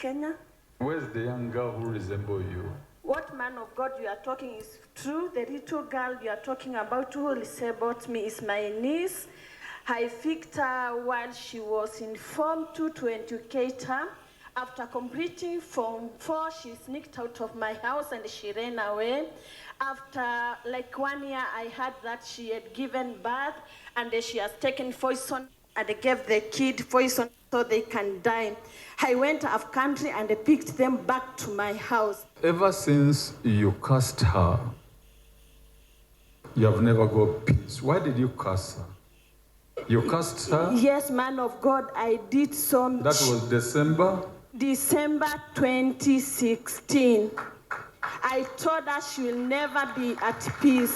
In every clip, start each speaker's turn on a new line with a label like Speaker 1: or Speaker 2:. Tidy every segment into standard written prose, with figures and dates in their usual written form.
Speaker 1: Kenya.
Speaker 2: Where's the young girl who resembles you?
Speaker 1: What man of God you are talking is true. The little girl you are talking about who resembles me is my niece. I picked her while she was in Form 2 to educate her. After completing Form 4, she sneaked out of my house and she ran away. After like 1 year, I heard that she had given birth and she has taken poison and gave the kid poison so they can die. I went off country and picked them back to my house.
Speaker 2: Ever since you cursed her, you have never got peace. Why did you curse her? You cursed her?
Speaker 1: Yes, man of God, I did so.
Speaker 2: That was December
Speaker 1: 2016. I told her she will never be at peace.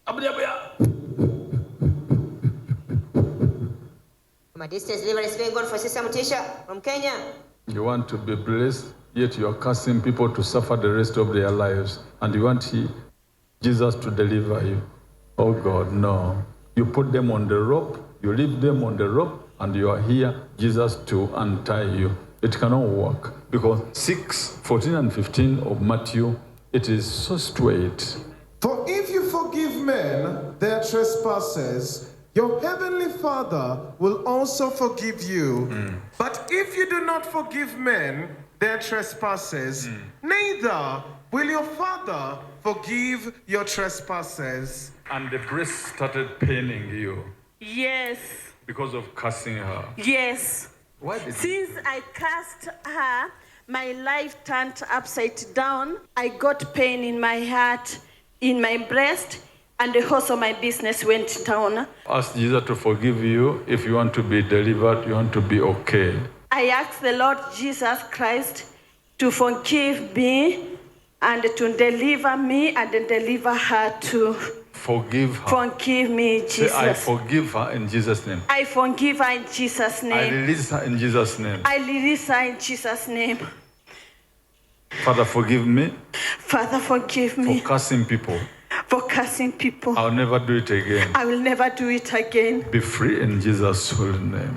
Speaker 3: My distance deliverance is going on for Sister Mutisha from Kenya.
Speaker 2: You want to be blessed, yet you are cursing people to suffer the rest of their lives. And you want Jesus to deliver you. Oh God, no. You put them on the rope, you leave them on the rope, and you are here, Jesus, to untie you. It cannot work. Because 6, 14 and 15 of Matthew, it is so straight.
Speaker 4: For if you forgive men their trespasses, your heavenly Father will also forgive you. But if you do not forgive men their trespasses, neither will your Father forgive your trespasses.
Speaker 2: And the breast started paining you
Speaker 1: Yes,
Speaker 2: because of cursing her.
Speaker 1: yes.
Speaker 2: Why did
Speaker 1: Since I cursed her, my life turned upside down. I got pain in my heart, in my breast, and also my business went down.
Speaker 2: Ask Jesus to forgive you if you want to be delivered, you want to be okay.
Speaker 1: I asked the Lord Jesus Christ to forgive me and to deliver me and deliver her too.
Speaker 2: Forgive her.
Speaker 1: Forgive me,
Speaker 2: Say, I
Speaker 1: Jesus.
Speaker 2: forgive her in Jesus' name.
Speaker 1: I forgive her in Jesus'
Speaker 2: I
Speaker 1: name.
Speaker 2: release her in Jesus' name.
Speaker 1: I release her in Jesus' name.
Speaker 2: Father, forgive me
Speaker 1: Father, forgive
Speaker 2: for
Speaker 1: me
Speaker 2: cursing people.
Speaker 1: for cursing people.
Speaker 2: I'll never do it again.
Speaker 1: I will never do it again.
Speaker 2: Be free in Jesus' holy name.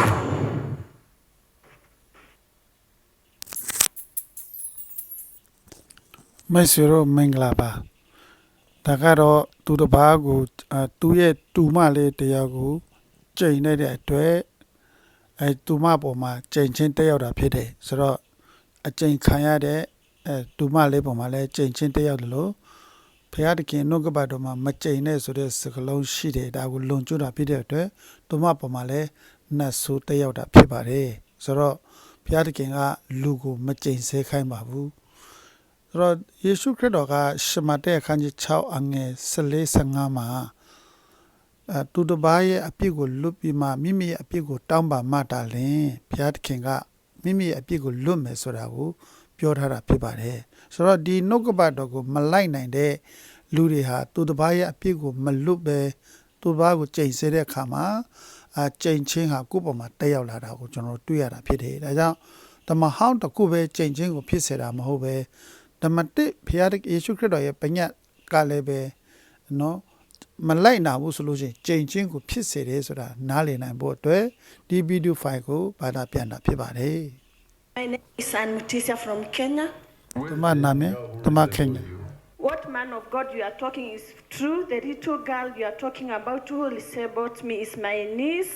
Speaker 5: Mesero Menglaba. ဒါကတော့သူတစ်ပါးကိုသူ့ရဲ့တူမလေးတရားကိုကြိမ်နေတဲ့အတွက်တူမပေါ်မှာကြိမ်ချင်းတက်ရောက်တာဖြစ်တယ်ဆိုတော့အကြိမ်ခံရတဲ့တူမလေးပေါ်မှာလည်းကြိမ်ချင်းတက်ရောက်တယ်လို့ဘုရားသခင်နှုတ်ကပတ်တော်မှာမကြိမ်နဲ့ဆိုတဲ့စကားလုံးရှိတယ်ဒါကိုလွန်ကျွတ်တာဖြစ်တဲ့အတွက်တူမပေါ်မှာလည်းနတ်ဆိုးတက်ရောက်တာဖြစ်ပါတယ်ဆိုတော့ဘုရားသခင်ကလူကိုမကြိမ်ဆဲခိုင်းပါဘူးဆိုတော့ယေရှုခရစ်တော်ကရှမတဲအခန်းကြီး6အငယ်14-15မှာသူတစ်ပါးရဲ့အပြစ်ကိုလွတ်ပြီးမှမိမိရဲ့အပြစ်ကိုတောင်းပန်မှတာလင်ဘုရားသခင်ကမိမိရဲ့အပြစ်ကိုလွတ်မယ်ဆိုတာကိုပြောထားတာဖြစ်ပါတယ်ဆိုတော့ဒီနှုတ်ကပတ်တော်ကိုမလိုက်နိုင်တဲ့လူတွေဟာသူတစ်ပါးရဲ့အပြစ်ကိုမလွတ်ပဲသူတစ်ပါးကိုကြိမ်ဆဲတဲ့အခါမှာကြိမ်ချင်းဟာကိုယ့်ပေါ်မှာတက်ရောက်လာတာကိုကျွန်တော်တွေ့ရတာဖြစ်တယ်ဒါကြောင့်ဓမ္မဟောင်းတစ်ခုပဲကြိမ်ချင်းကိုဖြစ်စေတာမဟုတ်ပဲဓမ္မတိဘုရားယေရှုခရစ်တော်ရဲ့ပညတ်ကလည်းပဲနော်မလိုက်နာဘူးဆိုလို့ရှိရင်ကြိမ်ချင်းကိုဖြစ်စေတယ်ဆိုတာနားလည်နိုင်ဖို့အတွက်ဒီဗီဒီယိုဖိုင်ကိုဘာသာပြန်တာဖြစ်ပါတယ်
Speaker 1: My name is Ann Mutisha from Kenya.
Speaker 5: တမနာမည်တမခင်ညာ
Speaker 1: What man of God you are talking is true. The little girl you are talking about who resembles me is my niece.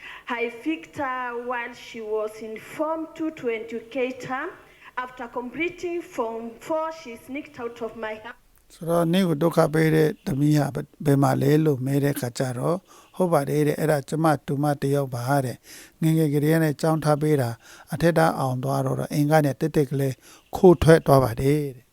Speaker 1: I picked her while she was in Form 2 to educate her. After completing Form 4, she sneaked out of my house.
Speaker 5: ဆိုတော့နေ့ကိုဒုက္ခပေးတဲ့သမီးဟာဘယ်မှာလဲလို့မဲတဲ့ခါကျတော့ဟုတ်ပါတယ်တဲ့အဲ့ဒါကျမတူမတယောက်ပါတဲ့ငငယ်ကလေးနဲ့ကြောင်းထားပေးတာအထက်တန်းအောင်သွားတော့အင်္ဂါနဲ့တက်တက်ကလေးခိုးထွက်သွားပါတယ်တဲ့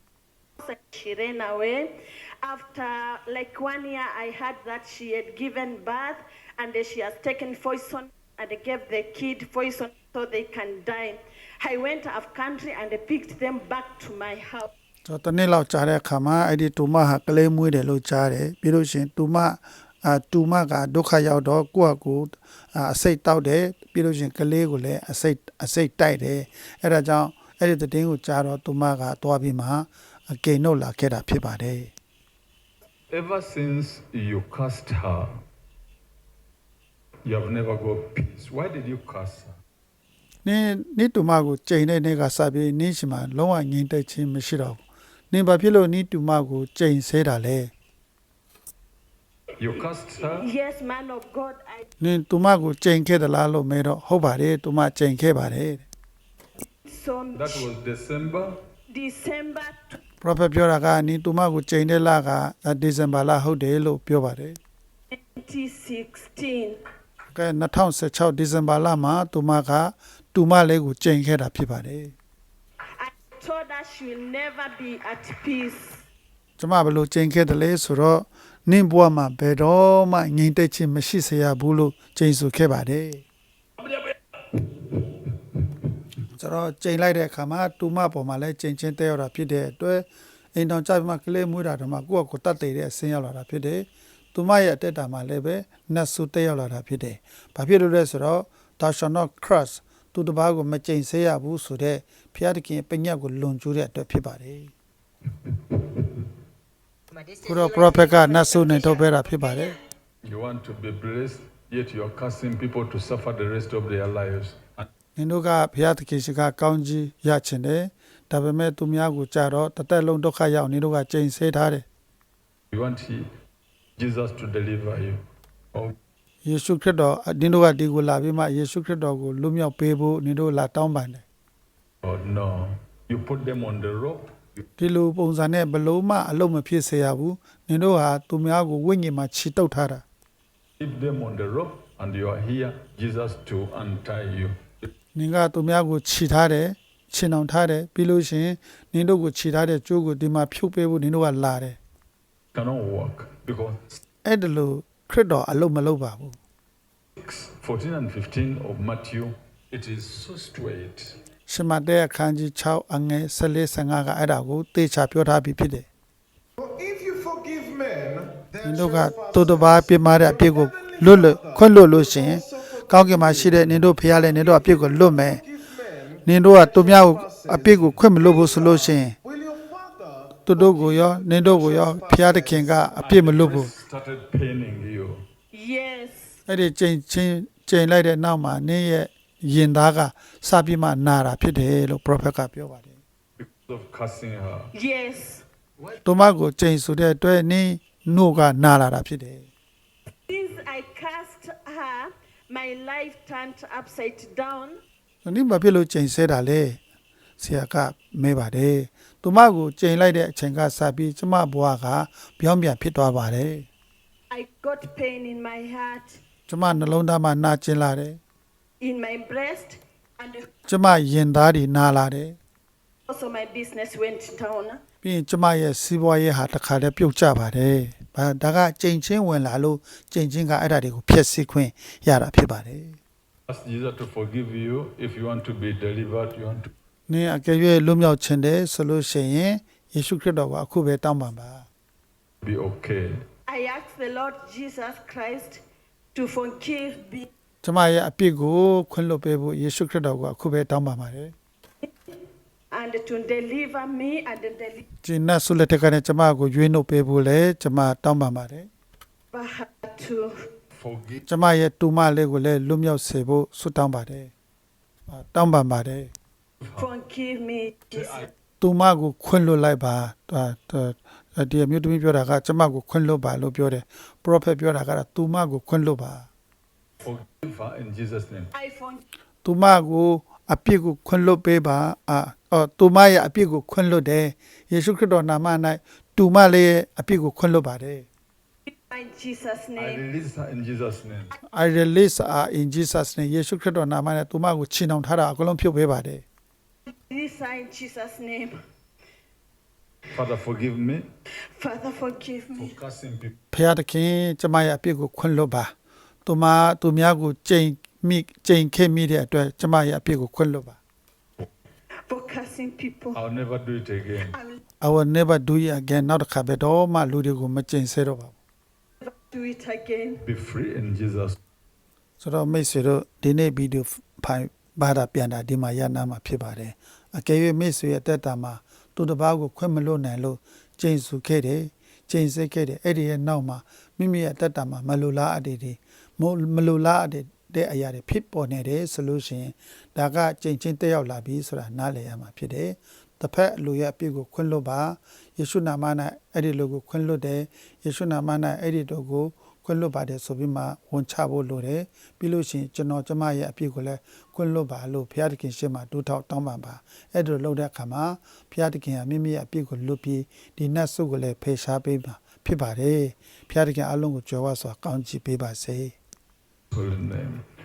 Speaker 1: She ran away. After like 1 year, I heard that she had given birth and she has taken poison and gave the kid poison so they can die. I went off country and picked them back to my house.
Speaker 5: ဆိုတော့တနေ့လောက်ကြာတဲ့အခါမှာအဲ့ဒီတူမဟာကလေးမွေးတယ်လို့ကြားတယ်ပြီးလို့ရှိရင်တူမကဒုက္ခရောက်တော့ကိုယ့်အကူအစိတ်တောက်တယ်ပြီးလို့ရှိရင်ကလေးကိုလည်းအစိတ်တိုက်တယ်အဲ့ဒါကြောင့်အဲ့ဒီသတင်းကိုကြားတော့တူမကသွားပြီးမှကိန်းတော့လာခဲ့တာဖြစ်ပါတယ်
Speaker 2: Ever since you cursed her, you have never got peace. Why did you curse her?
Speaker 5: နိတူမကိုချိန်တဲ့နေ့ကစပြီးနင်းရှိမှာလုံးဝငြိမ်သက်ခြင်းမရှိတော့ဘူးနင်ဘာဖြစ်လို့နိတူမကိုချိန်ဆဲတာလဲ
Speaker 2: You cursed her?
Speaker 1: Yes, man of God, I
Speaker 5: နင်တူမကိုချိန်ခဲ့သလားလို့မဲတော့ဟုတ်ပါတယ်တူမချိန်ခဲ့ပါတယ်တဲ့
Speaker 1: saw
Speaker 2: That was December.
Speaker 1: December
Speaker 5: prophet ပြောတာကနင်တူမကိုချိန်တဲ့လကဒီဇင်ဘာလဟုတ်တယ်လို့ပြောပါတယ်
Speaker 1: 2016.
Speaker 5: ကဲ2016ဒီဇင်ဘာလမှာတူမကတူမလေးကိုချိန်ခဲ့တာဖြစ်ပါတယ်
Speaker 1: I told her she will never be at peace.
Speaker 5: ကျမဘယ်လိုချိန်ခဲ့တယ်လဲဆိုတော့နင့်ဘဝမှာဘယ်တော့မှငြိမ်သက်ခြင်းမရှိစေရဘူးလို့ချိန်ဆခဲ့ပါတယ်ကျွန်တော်ချိန်လိုက်တဲ့အခါမှာတူမပေါ်မှာလည်းချိန်ချင်းတဲရတာဖြစ်တဲ့အတွက်အိမ်တော်ကြပြီးမှကလေးမွေးတာတော့မှကိုယ့်ကိုယ်တတ်သိတဲ့အဆင်းရောက်လာတာဖြစ်တယ်တူမရဲ့အတက်တာမှာလည်းပဲနတ်ဆူတဲရောက်လာတာဖြစ်တယ်ဘာဖြစ်လို့လဲဆိုတော့ thou shalt not curse သူတစ်ပါးကိုမချိန်ဆရဘူးဆိုတဲ့ဘုရားသခင်ပညတ်ကိုလွန်ကျူးတဲ့အတွက်ဖြစ်ပါတယ်
Speaker 3: My distance
Speaker 5: ခုတော့
Speaker 3: deliverance
Speaker 5: prophet က
Speaker 3: being
Speaker 5: နတ်ဆူ
Speaker 3: good
Speaker 5: နဲ့
Speaker 3: for
Speaker 5: ထုတ်ပေး
Speaker 3: Sister
Speaker 5: တာဖြစ်ပါတယ်
Speaker 2: You want to be blessed, yet you are cursing people to suffer the rest of their lives. And
Speaker 5: နင်တို့ကဘုရားသခင်ရှိကကောင်းကြီးရချင်တယ်ဒါပေမဲ့သူများကိုကြတော့တစ်သက်လုံးဒုက္ခရောက်နင်တို့ကချိန်ဆထားတယ်
Speaker 2: you want Jesus to deliver you. Oh,
Speaker 5: ယေရှုခရစ်တော်နင်တို့ကဒီကိုလာပြီးမှယေရှုခရစ်တော်ကိုလွတ်မြောက်ပေးဖို့နင်တို့လာတောင်းပန်တယ်
Speaker 2: God, no. You put them on the rope. You
Speaker 5: ဒီလိုပုံစံနဲ့ဘလို့မှအလုံးမဖြစ်စေရဘူးနင်တို့ဟာသူများကိုဝိညာဉ်မှာခြိတုပ်ထားတာ
Speaker 2: keep them on the rope, and you are here, Jesus, to untie you. It
Speaker 5: နင်ကသူများကိုခြိထားတယ်ခြင်အောင်ထားတယ်ပြီးလို့ရှိရင်နင်တို့ကိုခြိထားတဲ့ကြိုးကိုဒီမှာဖြုတ်ပေးဖို့နင်တို့ကလာတယ်
Speaker 2: cannot work because
Speaker 5: အဲ့ဒါလို့ခရစ်တော်အလုံးမလုပ်ပါဘူး
Speaker 2: 14 and 15 of Matthew, it is so straight.
Speaker 5: ရှမတဲအခန်းကြီး6အငယ်14 15ကအဲ့ဒါကိုသေချာပြောထားပြီးဖြစ်တယ်
Speaker 4: For if you forgive men
Speaker 5: န
Speaker 4: their
Speaker 5: င်တို့က
Speaker 4: trespasses,
Speaker 5: တူတစ်ပါးပြစ်မှားတဲ့အပြစ်ကိုလွတ်ခွင့်လွတ်လို့ရှိရင်ကောင်းကင်မှာရှိတဲ့နင်တို့ဖရားလည်းနင်တို့အပြစ်ကိုလွတ်မယ်
Speaker 4: forgive men,
Speaker 5: နင်တို့ကသူများကိုအပြစ်ကိုခွင့်မလွတ်ဘူးဆိုလို့ရှိရင်
Speaker 4: will your Father
Speaker 5: သူတို့ကိုရောနင်တို့ကိုရောဖရားသခင်ကအပြစ်မလွတ်ဘူး
Speaker 2: Started paining you.
Speaker 1: Yes.
Speaker 5: အဲ့ဒီချိန်လိုက်တဲ့နောက်မှာနင်ရဲ့ရင်သားကစပြီးမှနာတာဖြစ်တယ်လို့ prophet ကပြောပါတယ်
Speaker 2: Because of cursing her.
Speaker 1: Yes.
Speaker 5: သူမကိုချိန်ဆိုတဲ့အတွက်နင်နှုတ်ကနာလာတာဖြစ်တယ်
Speaker 1: Since I cast her, my life turned upside down.
Speaker 5: ဒီမှာဖြစ်လို့ချိန်ဆဲတာလေဆရာကမဲပါတယ်သူမကိုချိန်လိုက်တဲ့အချိန်ကစပြီးကျမဘွားကပြောင်းပြန်ဖြစ်သွားပါတယ်
Speaker 1: I got pain in my heart,
Speaker 5: ကျမနှလုံးသားမှာနာကျင်လာတယ်
Speaker 1: in my breast, and
Speaker 5: ကျမရင်သားတွေနာလာတယ်
Speaker 1: also my business went down.
Speaker 5: ပြီးရင်ကျမရဲ့စီးပွားရေးဟာတစ်ခါတည်းပြုတ်ကျပါတယ်ဒါကချိန်ချင်းဝင်လာလို့ချိန်ချင်းကအဲ့ဒါတွေကိုဖျက်ဆီးခွင့်ရတာဖြစ်ပါတယ်
Speaker 2: Ask Jesus to forgive you if you want to be delivered. You want to
Speaker 5: နင်အကယ်၍လွတ်မြောက်ခြင်းတယ်ဆိုလို့ရှိရင်ယေရှုခရစ်တော်ကအခုပဲတောင်းပန်ပါ
Speaker 2: be okay.
Speaker 1: I asked the Lord Jesus Christ to forgive me
Speaker 5: ကျမရဲ့အပြစ်ကိုခွင့်လွှတ်ပေးဖို့ယေရှုခရစ်တော်ကအခုပဲတောင်းပန်ပါတယ်
Speaker 1: and to deliver me and deliver
Speaker 5: ဒီနတ်ဆုလက်ထက်ကနဲ့ကျမကိုရွေးနှုတ်ပေးဖို့လဲကျမတောင်းပန်ပါတယ်
Speaker 1: her too.
Speaker 2: Forgive.
Speaker 5: ကျမရဲ့တူမလေးကိုလည်းလွတ်မြောက်စေဖို့ဆုတောင်းပါတယ်တောင်းပန်ပါတယ်
Speaker 1: Forgive me, Jesus.
Speaker 5: တူမကိုခွင့်လွှတ်လိုက်ပါဒီအမျိုးသမီးပြောတာကကျမကိုခွင့်လွှတ်ပါလို့ပြောတယ် prophet ပြောတာကတော့တူမကိုခွင့်လွှတ်ပါ
Speaker 2: Forgive her in Jesus' name.
Speaker 1: I forgive
Speaker 5: တူမကိုအပြစ်ကိုခွင့်လွှတ်ပေးပါတူမရဲ့အပြစ်ကိုခွင့်လွှတ်တယ်ယေရှုခရစ်တော်နာမ၌တူမလေးရဲ့အပြစ်ကိုခွင့်လွှတ်ပါတယ်
Speaker 1: in Jesus'
Speaker 2: I
Speaker 1: name.
Speaker 2: release her in Jesus' name.
Speaker 5: I release her in Jesus name ယေရှုခရစ်တော်နာမနဲ့တူမကိုချီနှောင်ထားတာအကုန်လုံးဖြုတ်ပေးပါတယ်
Speaker 1: Release her in Jesus' name.
Speaker 2: Father, forgive me
Speaker 1: Father, forgive
Speaker 2: for
Speaker 1: me.
Speaker 2: cursing people.
Speaker 5: ဖခင်တခင်ကျမရဲ့အပြစ်ကိုခွင့်လွှတ်ပါတူများကိုချိန်ခဲ့မိတဲ့အတွက်ကျမရဲ့အပြစ်ကိုခွင့်လွှတ်ပါ
Speaker 1: For cursing people.
Speaker 2: I'll never do it again.
Speaker 1: I will
Speaker 5: I will never do it again နောက်တစ်ခါပဲတော့မှလူတွေကိုမချိန်ဆဲတော့ပါဘူး
Speaker 1: never do it again.
Speaker 2: Be free in Jesus.
Speaker 5: ဆိုတော့မိတ်ဆွေတို့ဒီနေ့ဗီဒီယိုဖိုင်ဘာသာပြန်တာဒီမှာရနာမှာဖြစ်ပါတယ်အကယ်၍မိတ်ဆွေရဲ့တက်တာမှာသူတစ်ပါးကိုခွင့်မလွတ်နိုင်လို့ချိန်ဆခဲ့တယ်ချိန်ဆခဲ့တယ်အဲ့ဒီရဲ့နောက်မှာမိမိရဲ့တက်တာမှာမလိုလားအပ်တဲ့အရာတွေဖြစ်ပေါ်နေတယ်ဆိုလို့ရှိရင်ဒါကကြိမ်ချင်းတက်ရောက်လာပြီဆိုတာနားလည်ရမှာဖြစ်တယ်တစ်ဖက်လူရဲ့အပြစ်ကိုခွင့်လွတ်ပါယေရှုနာမ၌အဲ့ဒီလူကိုခွင့်လွတ်တယ်ယေရှုနာမ၌အဲ့ဒီတို့ကိုခွင့်လွတ်ပါတယ်ဆိုပြီးမှဝန်ချဖို့လိုတယ်ပြီးလို့ရှိရင်ကျွန်တော်ကျမရဲ့အပြစ်ကိုလည်းခွင့်လွတ်ပါလို့ဘုရားသခင်ရှေ့မှာတိုးထောက်တောင်းပန်ပါအဲ့ဒါလုပ်တဲ့အခါမှာဘုရားသခင်ကမိမိရဲ့အပြစ်ကိုလွတ်ပြီးဒီနတ်ဆုကိုလည်းဖေရှားပေးပါဖြစ်ပါတယ်ဘုရားသခင်အလုံးကိုကြွယ်ဝစွာကောင်းချီးပေးပါစေ
Speaker 2: Holy name.